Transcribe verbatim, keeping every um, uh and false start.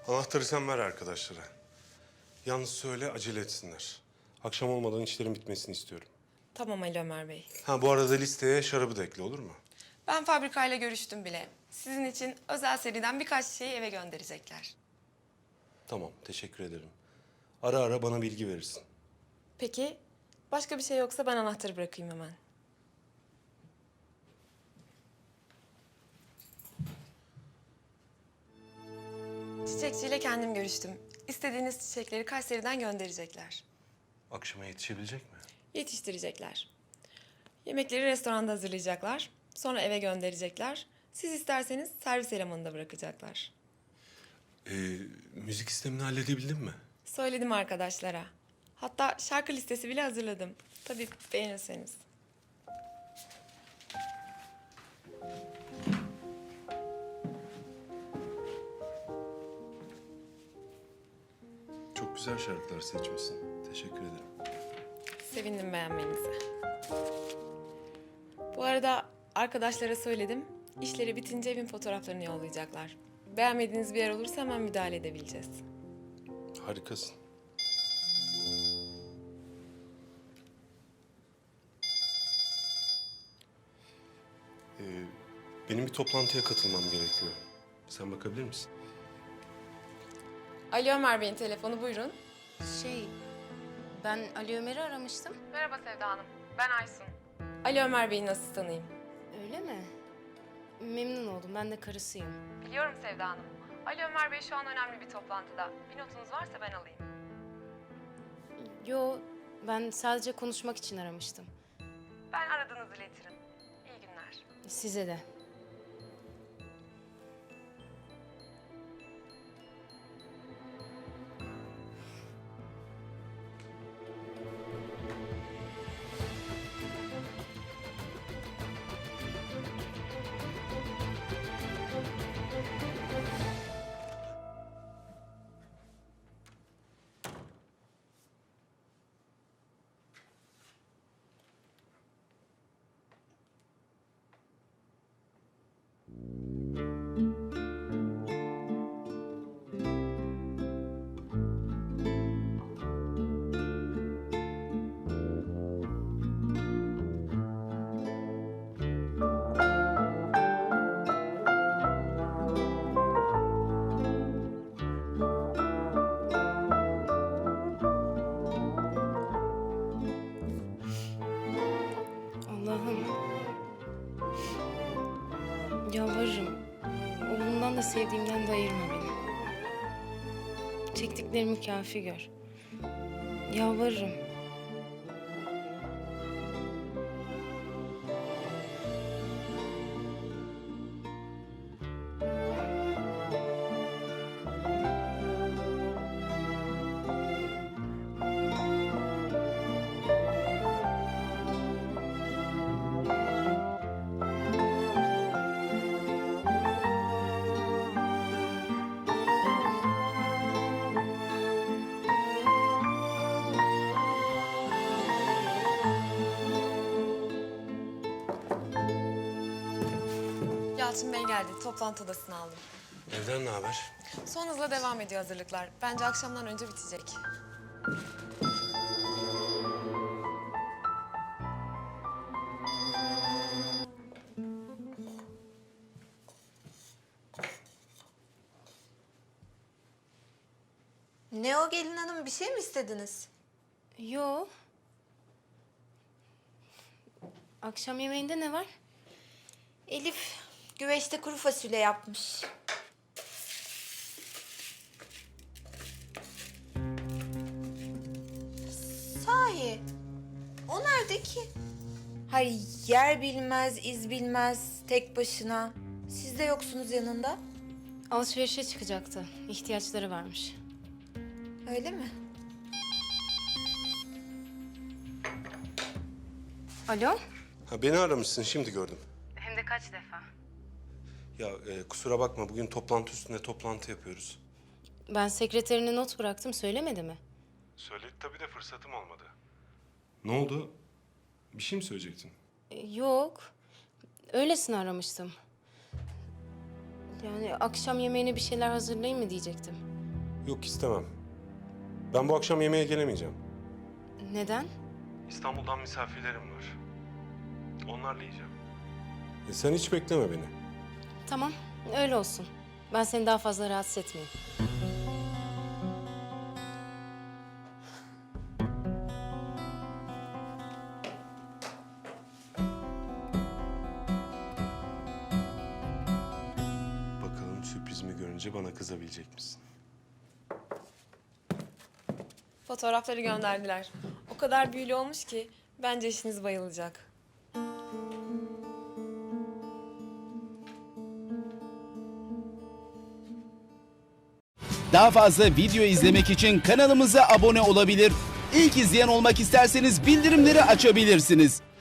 Anahtarı sen ver arkadaşlara. Yalnız söyle acele etsinler. Akşam olmadan işlerin bitmesini istiyorum. Tamam Ali Ömer Bey. Ha bu arada listeye şarabı da ekle olur mu? Ben fabrikayla görüştüm bile. Sizin için özel seriden birkaç şeyi eve gönderecekler. Tamam teşekkür ederim. Ara ara bana bilgi verirsin. Peki başka bir şey yoksa ben anahtarı bırakayım hemen. Çiçekçiyle kendim görüştüm. İstediğiniz çiçekleri Kayseri'den gönderecekler. Akşama yetişebilecek mi? Yetiştirecekler. Yemekleri restoranda hazırlayacaklar. Sonra eve gönderecekler. Siz isterseniz servis elemanında bırakacaklar. Ee, müzik sistemini halledebildin mi? Söyledim arkadaşlara. Hatta şarkı listesi bile hazırladım. Tabii beğenirseniz. Çok güzel şarkılar seçmişsin. Teşekkür ederim. Sevindim beğenmenize. Bu arada arkadaşlara söyledim. İşleri bitince evin fotoğraflarını yollayacaklar. Beğenmediğiniz bir yer olursa hemen müdahale edebileceğiz. Harikasın. Ee, benim bir toplantıya katılmam gerekiyor. Sen bakabilir misin? Ali Ömer Bey'in telefonu buyurun. Şey, ben Ali Ömer'i aramıştım. Merhaba Sevda Hanım. Ben Aysun. Ali Ömer Bey'in asistanıyım. Öyle mi? Memnun oldum. Ben de karısıyım. Biliyorum Sevda Hanım. Ali Ömer Bey şu an önemli bir toplantıda. Bir notunuz varsa ben alayım. Yo, ben sadece konuşmak için aramıştım. Ben aradığınızı iletirim. İyi günler. Size de. Allah'ım. Yalvarırım. Oğlumdan da sevdiğimden de ayırma beni. Çektiklerimi kafi gör. Yalvarırım. Yalçın Bey geldi. Toplantı odasını aldım. Evden ne haber? Son hızla devam ediyor hazırlıklar. Bence akşamdan önce bitecek. Ne o gelin hanım, bir şey mi istediniz? Yo. Akşam yemeğinde ne var? Elif güveçte kuru fasulye yapmış. Sahi, o nerede ki? Hayır, yer bilmez, iz bilmez, tek başına. Siz de yoksunuz yanında. Alışverişe çıkacaktı. İhtiyaçları varmış. Öyle mi? Alo? Ha beni aramışsın şimdi gördüm. Hem de kaç defa? Ya e, kusura bakma bugün toplantı üstüne toplantı yapıyoruz. Ben sekreterine not bıraktım, söylemedi mi? Söyledi tabii de fırsatım olmadı. Ne oldu? Bir şey mi söyleyecektin? E, Yok. Öylesine aramıştım. Yani akşam yemeğine bir şeyler hazırlayayım mı diyecektim. Yok, istemem. Ben bu akşam yemeğe gelemeyeceğim. Neden? İstanbul'dan misafirlerim var. Onlarla yiyeceğim. E sen hiç bekleme beni. Tamam, öyle olsun. Ben seni daha fazla rahatsız etmeyeyim. Bakalım sürprizimi görünce bana kızabilecek misin? Fotoğrafları gönderdiler. O kadar büyülü olmuş ki bence eşiniz bayılacak. Daha fazla video izlemek için kanalımıza abone olabilir. İlk izleyen olmak isterseniz bildirimleri açabilirsiniz.